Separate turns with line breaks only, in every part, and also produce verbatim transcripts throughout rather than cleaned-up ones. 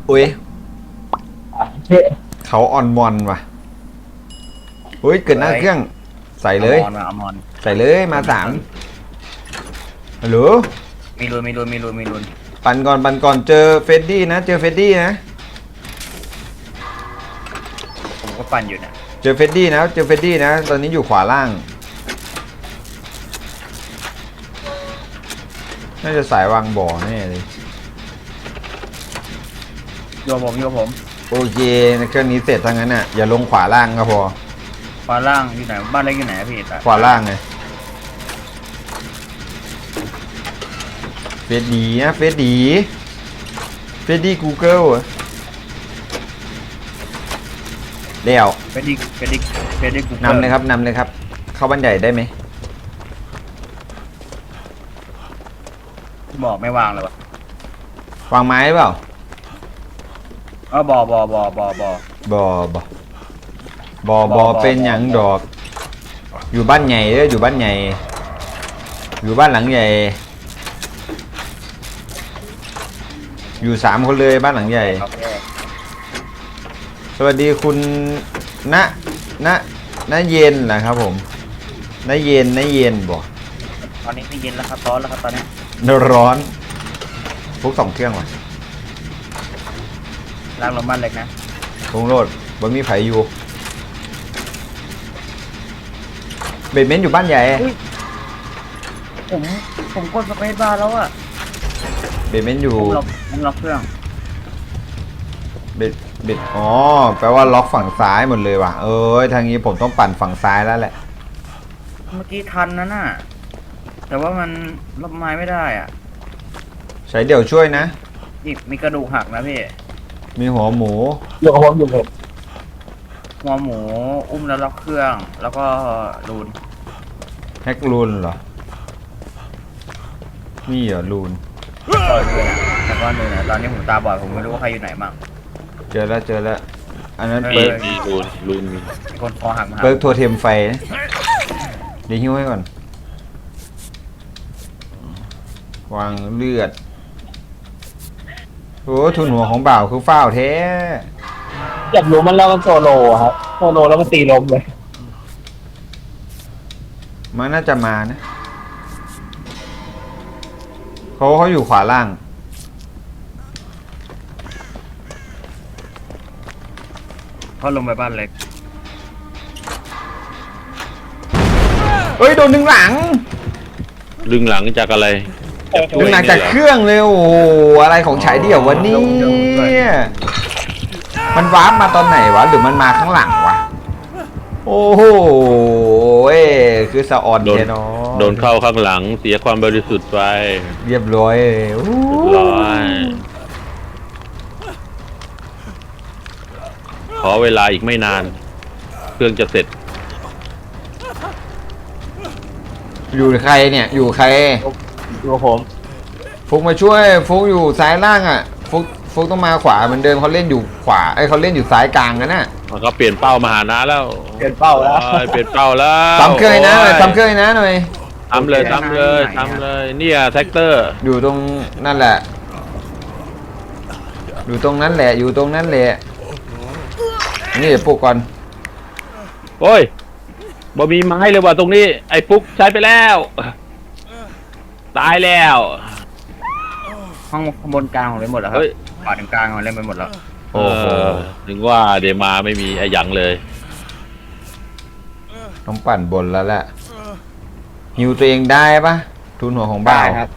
อุ้ยเขาออนมอนว่ะอุ้ยเกิดหน้าเครื่องใส่เลย
อมอนอมอน
ใส่เลยมาสามฮัลโหล
มีรุนมีรุนมีรุนมีรุน
ปั่นก่อนปั่นก่อนเจอเฟดดี้นะเจอเฟดดี้นะ
ผมก็ปั่นอยู่เนี่ย
เจอเฟดดี้นะเจอเฟดดี้นะตอนนี้อยู่ขวาล่างน่าจะสายวางบ่อแน่เลย
โยผมโยผม
โอเคในเครื่องนี้เสร็จทั้งนั้นน่ะอย่าลงขวาล่างก็พอ
ขวาล่างอยู่ไหนบ้านเล็กอยู่ไหนพี่ตา
ขวาล่างไงเฟดดีนะเฟดดีเฟดดี้กูเกิลเดี๋ยว
เฟดดี้เฟดดี้เฟดดี้กู
นำเลยครับนำเลยครับเข้าบ้านใหญ่ได้ไหม
บอกไม่วางเลยวะ
วางไม้เปล่า
เออบอบอบอบอบอบ
อบอบอบอเป็นอย่างดอก อยู่บ้านใหญ่เด้ออยู่บ้านใหญ่ อยู่บ้านหลังใหญ่ อยู่สามคนเลยบ้านหลังใหญ่
โอเค
สวัสดีคุณณณณเย็นนะครับผมณเย็นณเย็นบอก
ตอนนี้ไม่เย็นแล้วครับร้อนแล้วครับตอนนี้
ร้อนพวกสองเครื่องว่ะ
ล้างลมบ้านเล็กนะ
คงโลดบ่มีไผอยู่เบดเมนต์อยู่บ้านใหญ่
ผมผมกดสเปซบาร์แล้วอะ
เบดเมนต์อยู่
ผมล็อกผมล็อกเครื่อง
เบดเบดอ๋อแปลว่าล็อกฝั่งซ้ายหมดเลยว่ะเอ้ยทางนี้ผมต้องปั่นฝั่งซ้ายแล้วแหละ
เมื่อกี้ทันนะน่ะแต่ว่ามันรับไม้ไม่ได้อ่ะ
ใช้เดี่ยวช่วยนะ
อีกมีกระดูกหักนะพี่
มีหัวหมู
อยู่กับผมอยู่ผม
หัวหมูอุ้มแล้วล็อกเครื่องแล้วก็รูน
แฮกลูนเหรอนี่เหรอลูน
ก็เลยนะแล้วก็เลยนะตอนนี้ผมตาบอดผมไม่รู้ว่าใครอยู่ไหนบ้าง
เจอแล้วเจอแล้วอันนั้น
เอ
เปิ
อ
ร์ก
มีรูนรูนมี
มีคนคอหักมาหา
เปิร์กโทเทมไฟนะเดี๋ยวหิ้วให้ก่อนวางเลือดโอ้ทุนหัวของบ่าวคือฝ้าวแท้
อยากรู้มันแล้วมันโซโลอะครับโซโลแล้วมันตีลมเลย
มันน่าจะมานะเขาเขาอยู่ขวาล่าง
เขาลงไปบ้านเล็ก
เอ้ยโดนดึงหลัง
ลึงหลังจากอะไร
ดึงหลังจากเครื่องเลยโอ้โหอะไรของฉายเดี่ยววะเนี่ยมันวาร์ปมาตอนไหนวะหรือมันมาข้างหลังวะโอ้โหเอ้ยคือสะออน
โดน
แค่นอ
โดนเข้าข้างหลังเสียความบริสุทธิ์ไป
เรียบร้อยเลยโอ้
เรียบร้อยขอเวลาอีกไม่นาน เครื่องจะเสร็จ
อยู่ใครเนี่ยอยู่ใคร
อยู่กับผม
ฟุกมาช่วยฟุกอยู่ซ้ายล่างอ่ะฟุกฟุกต้องมาขวาเหมือนเดิมเขาเล่นอยู่ขวาไอ้ยเขาเล่นอยู่ซ้ายกลางกันน่ะ
มันก็เปลี่ยนเป้ามาหานะแล้ว
เปลี่ยนเป้าแล้ว
โอ้ยเปลี่ยนเป้าแล้ว
ทำเคยนะหน่อย
โ
ทำเคยนะหน่อย
ทำเลยทำเลยทำเลยเนี่ยแท็กเตอร์
อยู่ตรงนั่นแหละ อยู่ตรงนั้นแหละ อยู่ตรงนั้นแหละ นี่เดี๋ยวปลุกก่อน
โอ้ยบ่มีไม้เลยว่ะตรงนี้ ไอ้ปุ๊กใช้ไปแล้ว ตายแล้ว
ห้องข้างบนกลางของเล่นหมดแล้วครับ
เฮ้ย
ขวาถึงกลางของเล่นไปหมดแล้ว
โอ้โห
เถึงว่าเดมาไม่มีไอ้หยังเลย
ต้องปั่นบนแล้วแหละฮิวตัวเองได้ปะทุนหัวของบ่าว
ครับ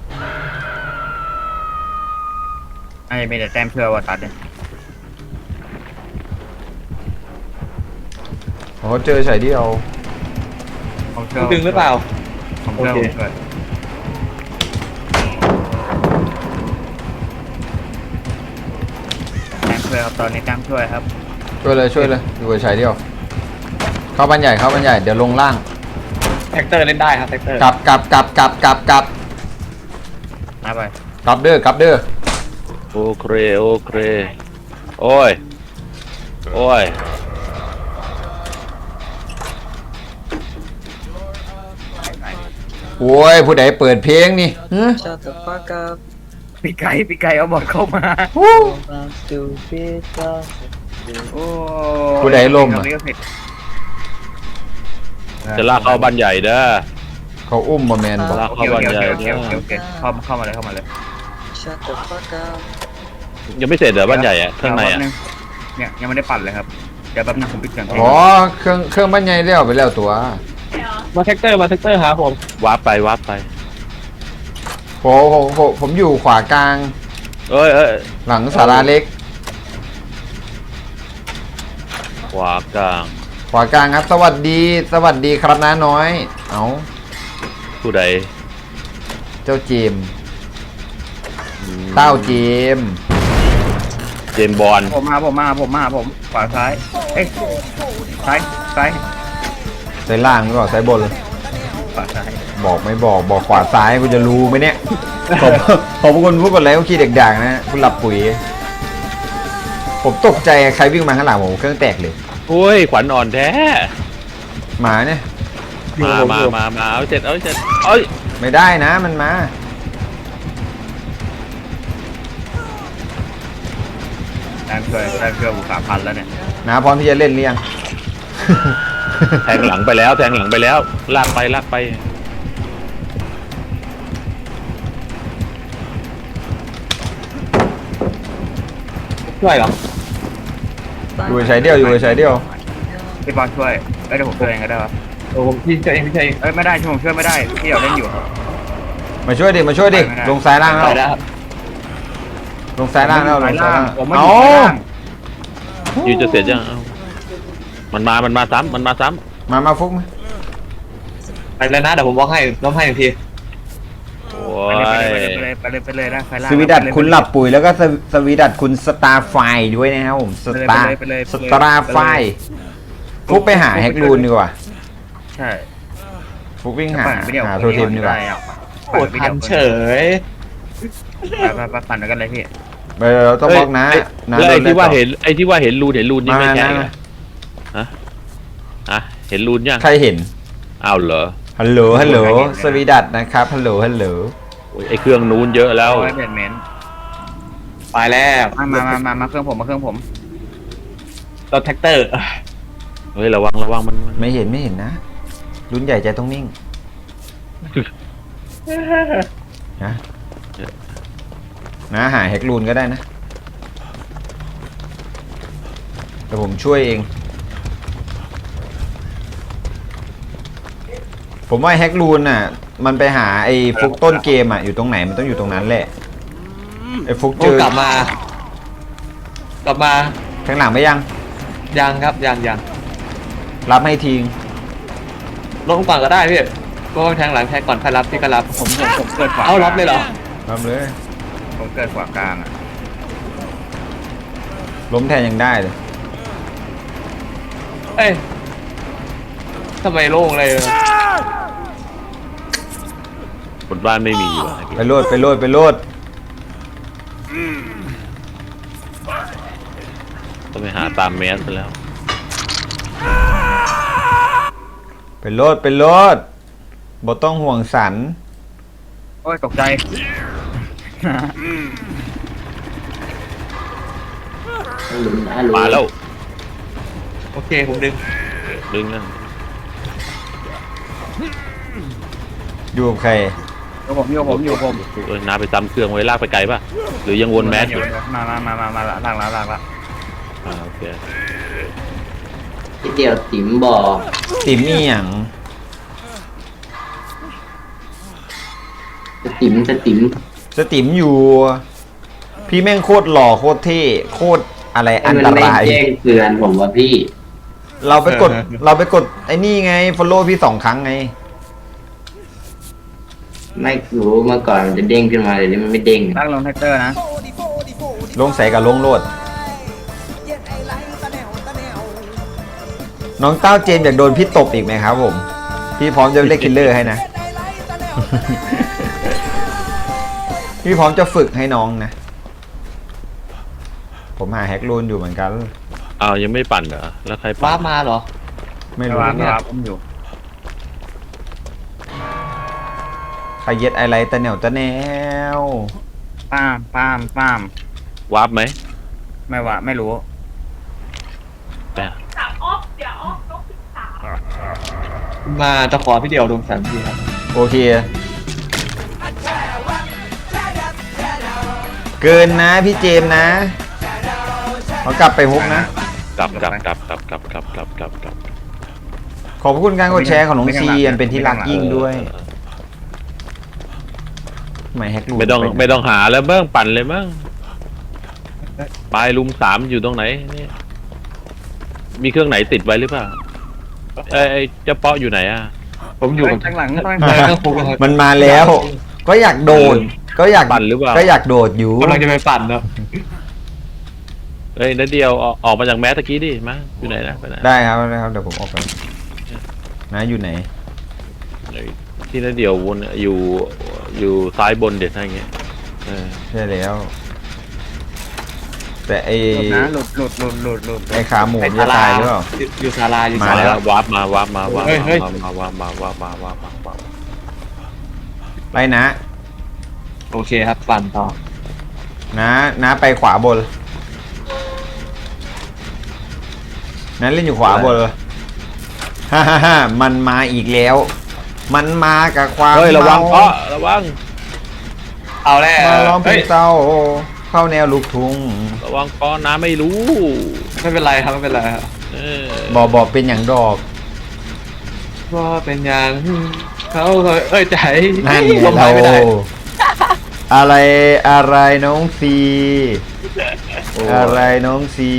ไอ้ไม่แต่แต้มเพื่อว่าตัดเนี่ย
โอ้เจอใส่เดียว
ของเชื่อ
ดึงหรือเปล่า
ของเชื่อ
โอ
ผ
เค
มเกิดแต้มเพื่อครับตอนนี้แต้มช่วยครับ
ช่วยเลยช่วยเลยอยู่กับใส่เดียว เข้าบ้านใหญ่เข้าบ้านใหญ่เดี๋ยวลงล่าง
แท็กเตอร์เล่นได้ครับแท็กเตอร์
กลับกลับกลับกลับกลับกลับ
มาไป
กลับเด้อกลับเด้อ
โอเคโอเคโอ้ย โอ้ย
โอ้ยผู้ใดเปิดเพลงนี่ฮะ
Shut the fuck up
ปีไก่ปีไก่เอาบอดเข้ามา
ฮู้
โอ้
ผู้ใดล่มอะ
จะลากเข้าบ้านใหญ่เด้อ
เขาอุ้มบอแมนบอก
ลาก
โอเค
เข้า
โอ
บ้าน
เค
ใหญ่
โอเค
เด้อ
โอเคโอเคเข้าเข้ามาเลยเข้ามาเลย
ยังไม่เสร็จเหรอบ้านใหญ่อะข้างในอะ
แป๊บนึเนี่ยยังไม่ได้ปั่นเลยครับเดี๋ยวแป๊บนึงผมปิดเครื่อง
อ๋อเครื่องเครื่องบ้านใหญ่เลี้ยวไปแล้วตัว
มาแท็กเตอร์มาแท็กเตอร์ครับผม
วาร์ปไปวาร์ปไป
ผมผมผมผมอยู่ขวากลาง
เอ้ยเอ้ย
หลังศาลาเล็ก
ขวากลาง
ขวากลางครับ สวัสดี สวัสดีครับน้าน้อย เอา
ผู้ใด
เจ้าเจมส์เต้าเจมส์
เจมส์บอล
ผมมาผมมาผมมาผมขวาซ้ายเอ้ยซ้ายซ้าย
ใส่ล่างหรือเปล่าใส่บน
ขวาซ้าย
บอกไม่บอกบอกขวาซ้ายกูจะรู้ไหมเนี่ย ผมผมเป็นคนพูดกันแล้วขี้เด็กด่างนะคุณหลับปุ๋ย ผมตกใจใครวิ่งมาข้างหลังผมเครื่องแตกเลย
โอ้ยขวัญอ่อนแท้
หมาเนี่ย
มามามามาเอาเสร็จเอาเสร็จเอ้ย
ไม่ได้นะมันมา
แรงช่วยแรงช่วยบุกสามพันแล้วเนี่ย
นะพร้อมที่จะเล่นหรือยัง
แทงหลังไปแล้วแทงหลังไปแล้ว ลากไปลากไป
ช่วยเหรอ
อยู่ใช้เดียวอยู่ใช้เดียว
พี่บอลช่วยเอ้ยเดี๋ยวผมช่วยเองก็ได้วะ
โอ้ผมพี่ช่วยเองพี่ช่วยเอง
เอ้ยไม่ได้ช่วยผมช่วยไม่ได้พี่เดี๋ยวเล่นอยู่
มาช่วยดิมาช่วยดิ
ไม่ได้
ลงซ้ายล่าง
ไป
แล้ว
แล้วครับ
ลงซ้ายล่างแล้วลงซ้ายล่าง
ผมไม่อ
เอา
ยู่ข้างล่าง
อยู่จะเสร็จยังเอ้ามันมามันมาซ้ำมันมาซ้
มามาฟุกมา
ไปแล้วนะเดี๋ยวผมบล็อกให้ล้มให้หนึ่งที
ำโอ้
ไป
ย
เลยไปเลยไปเลยไปเลยนะไฟล่าง
สวีดัตคุณหลับปุ๋ยแล้วก็สวสวีดัตคุณสตาร์ไฟด้วยนะครับผมสตาร์
ไปเลยไป
ส
เลย
ตาร์ไฟฟุกไปหาแฮกรูนดีกว่า
ใช่
ฟุกวิ่งหา
ปั่นไปเดี๋ยว
หาโทเทมดีกว่า
โอ้ทันเฉย
ไปไปไปปั่นกันเลยพี่
ไปเราต้องบล็อกนะ
เฮ้ย
นะ
แล้วไอ้
โดน
ที่ว่า
ต่อ
เห็นไอ้ที่ว่าเห็นรูนเห็นรูนนี่ไม่
มา
ใช่
มา
เหรอฮะฮะเห็นรูนยัง
ใครเห็น
อ้าวเหรอ
ฮัลโหลฮัลโหลสวีดัตนะครับฮัลโหลฮัลโหล
โอ้ยไอ้เครื่องนู้นเยอะแล้ว
เอาไว้เบนเมน
ไปแล้ว
มามามามามาเครื่องผมมาเครื่องผม
รถแท็กเตอร์
เฮ้ยระวังระวังมันมัน
ไม่เห็นไม่เห็นนะรุ่นใหญ่ใจต้องนิ่งนะนะหาแฮกรูนก็ได้นะแต่ผมช่วยเอง ผมว่าแฮกรูนน่ะ มันไปหาไอ้ฟุกต้นเกมอ่ะอยู่ตรงไหนมันต้องอยู่ตรงนั้นแหละไอ้ฟุกเจ
โอ้
อก
ลับมา กลับมา
ข้างหลังไม่ยัง
ยังครับยังยัง
รับให้ทิ้ง
ลงก่อนก็ได้พี่ก็แทงหลังแทงก่อนใครรับพี่ก็รับ
ผมผมผมเกิดขวา
เอารับเลยเหรอ
รับเลย
ผมเกิดขวากลางอ่ะ
ล้มแทนยังได้เลย
เอ้ยทำไมโล่งเลย
บนบ้านไม่มีอยู่อะ
ไปโลดไปโลดไปโลด
ต้องไปหาตามแมสไปแล้ว
ไปโลดไปโลดบ่ต้องห่วงสัน
โอ้ยตกใจ
มาแล้ว
โอเคผมดึง
ดึงนะ
อยู่กับใคร
อยู่ผมอยู่ผมอยู่ผม
เอ้ยน้าไปซ้ำเครื่องไว้ลากไปไกลป่ะหรือยังวนแมสอยู่
มามามามามาละล่างละล่างละ
อ่าโอเค
พี่เดียวติ๋มบอก
ติมมี่หยัง
จะติ๋มจะติ๋ม
สติมอยู่ พี่แม่งโคตรหล่อโคตรเท่โคตรอะไรอันต
มันไม่
ราย
แจ้งเตือนผมว่าพี่
เราไปกดเราไปกดไอ้นี่ไง follow พี่สองครั้งไง
ไม่รู้เมื่อก่อนมันจะเด้งขึ้นมาเดี๋ยวนี้มันไม่เด้ง
ตั้งลงแท็กเตอร์นะ
ลงใส่กับลงโลด น้องเต้าเจมส์อยากโดนพี่ตบอีกไหมครับผม พี่พร้อมจะเล่นคิลเลอร์ให้นะ พี่พร้อมจะฝึกให้น้องนะ ผมหาแฮกรูนอยู่เหมือนกัน
อ้าวยังไม่ปั่นเหรอแล้วใครปั่
ว้าน มาเหรอ
ไม่รู้
วาง
เนี่ย
ครับผมอยู่
ใครเย็ดอะไรตะแนวตะแนว
ป้ามป้ามป้าม
วาร์ปไหม
ไม่ว่าไม่รู้
แต่
มาตะขอพี่เดียวดวงสันทีครับ
โอเค เกินนะพี่เจมส์นะเขากลับไปฮุกนะ
กลับกลับกลับกลับกลับกลับกลับกลับกลับ
ขอบคุณการกดแชร์ของน้องซีอันเป็นที่รักยิ่งด้วยไม่แฮกรู
ไม่ต้องไม่ต้องหาแล้วเบิ้งปั่นเลยมั้งปลายลุมสามอยู่ตรงไหนนี่มีเครื่องไหนติดไว้หรือเปล่าเอ้ยไอ้เจ้าเปาะอยู่ไหนอ่ะ
ผมอยู่
ข้างหลังข้างหลัง
ในเครื่องปรุงครับ
มันมาแล้ว ก็อยากโดด ก็อยาก
ปั่นหรือเปล่า
ก็อยากโดดอยู่
กำลังจะไปปั่นเนาะ
เอ้ยนัดเดียวออกออกมาจากแมสตะกี้ดิมาอยู่ไหนนะไปไหน
ได้ครับได้ครับเดี๋ยวผมออกไปนะอยู่ไหน
เอ้ยที่นัดเดียววนอยู่อยู่ซ้ายบนเด็ดอะไรเงี้ยเออ
ใช่แล้ว แต่ไอ
หลุดนะหลุดหลุดหลุดหลุดหลุด
ไอขาหมูมันจะตายหรือเปล่า
อยู่ศาลาอยู่
มา
ศา
แล้
ลาว
วาร์ปมาวาร์ปมาวาร์ป
เฮ้ยเฮ้ย
มาวาร์ปมาวาร์ปมาวาร์ปมาวาร์ป
ไปนะ
โอเคครับปั่นต่อ
นะนะไปขวาบนนั้นเล่นอยู่ขวาบนเลยฮ่าฮ่าฮ่ามันมาอีกแล้ว มันมากับความ
เฮ้ยระวัง
เมา
เพาะระวัง
เอาแล้ว
มาล้อมเพล
เฮ้ย
งเศร้าเข้าแนวลูกทุ่ง
ระวังเพาะน้ำไม่รู้
ไม่เป็นไรครับไม่เป็นไรครับ
เออ
บอกบอกเป็นอย่างดอก
ว่าเป็นอย่างเขาเอ้ยใจ
นั่น
ล
ไง
งไป
เรา
ไม่ได้
อะไรอะไรน้องซีอะไรน้องซี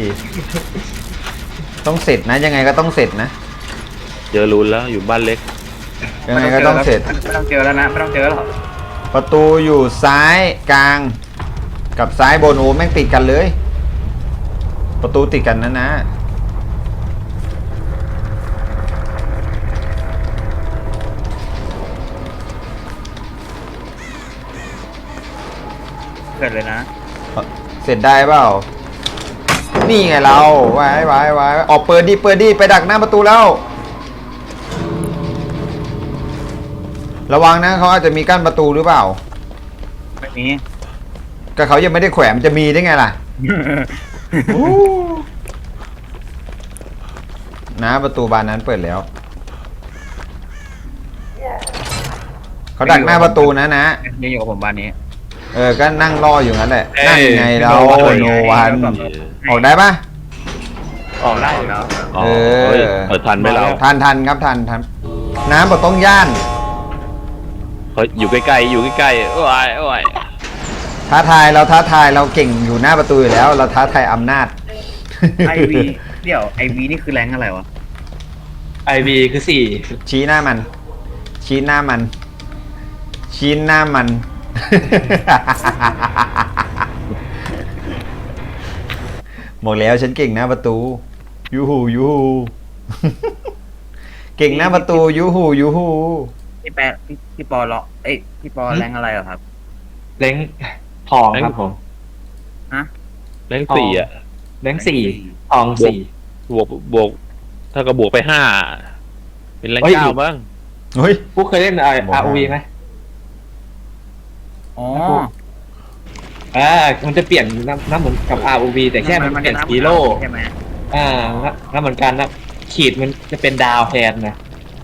ต้องเสร็จนะยังไงก็ต้องเสร็จนะ
เจอรูนแล้วอยู่บ้านเล็ก
ยังไงก็ต้องเสร็จ
ไม่ต้องเจอแล้วนะไม่ต้องเจอหรอก
ประตูอยู่ซ้ายกลาง กับซ้ายบนโอ้แม่งติดกันเลย ประตูติดกันนะนะ
เกิดเลยนะ
เสร็จได้เปล่า นี่ไงเราไว้ไว้ไว้ออกเปิดดิเปิดดิไปดักหน้าประตูแล้ว ระวังนะเขาอาจจะมีกั้นประตูหรือเปล่า
ไม่มี
ก็เขายังไม่ได้แขวนมันจะมีได้ไงล่ะ นะประตูบานนั้นเปิดแล้ว เขาดักหน้าประตูนะนะ
ยังอยู่กับผมบ้านนี้
เออ ก็นั่งรออยู่งั้นแหละ
เอ้ย
นั่งไงเรา
โนวัน
โนวันออกได้ปะ
ออกได้อยู่
แล้ว
อ๋อ
เออ
เฮ้ยเปิดทันไหมเรา
ทันทันครับทันทันน้ำบดต้องย่าน
เฮ้ยอยู่ใกล้ๆอยู่ใกล้ๆโอ้ยโอ้ย
ท้าทายเราท้าทายเราเก่งอยู่หน้าประตูอยู่แล้ว เราท้าทายอำนาจ
ไอวีเดี๋ยวไอวีนี่คือแรงอะไรวะ
ไอบีคือสี่
ชี้หน้ามัน ชี้หน้ามัน ชี้หน้ามัน บอกแล้วฉันเก่งหน้าประตู ยูหูยูหู เก่งหน้าประตูยูหูยูหู
พี่แปะพี่พี่ปอเลาะเอ้ยพี่ปอแรงอะไรเหรอครับ
เล้งทองครับผม
เลขสี่อ่ะ
เล้งสี่ทองสี่
บวกบวกถ้าก็บวกไปห้าเป็นแรง
เฮ้ย
เก้าบ้าง
เฮ้ย
พวกเคยเล่นไอ
บอก
อา
ให้
ร์วีไหม
อ๋อ
อ่ามันจะเปลี่ยนน้ำน้ำเหมือนกับ อาร์ โอ วี แต่แค่มันเปลี่ยนฮีโร่
ใช่ไหม
อ่าน้ำเหมือนกันนะขีดมันจะเป็นดาวแทนนะ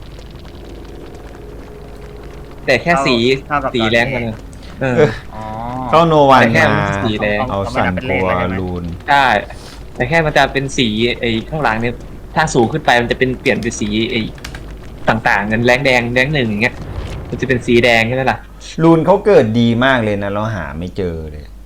แต่แค่สี
เท่ากับ
สีแรงมันนะเออ
อ๋อ
เข้าโนวัน
แต่แค่
มา
สีแดง
เอาสั่นกลัวลูน
ใช่แต่แค่มันจะเป็นสีไอ้ข้างหลังเนี่ยถ้าสูงขึ้นไปมันจะเป็นเปลี่ยนเป็นสีไอ้ต่างๆกันแรงแดงแดงหนึ่งอย่างเงี้ยมันจะเป็นสีแดงใช่ไหมล่ะ
ลูนเขาเกิดดีมากเลยนะ เราหาไม่เจอเลย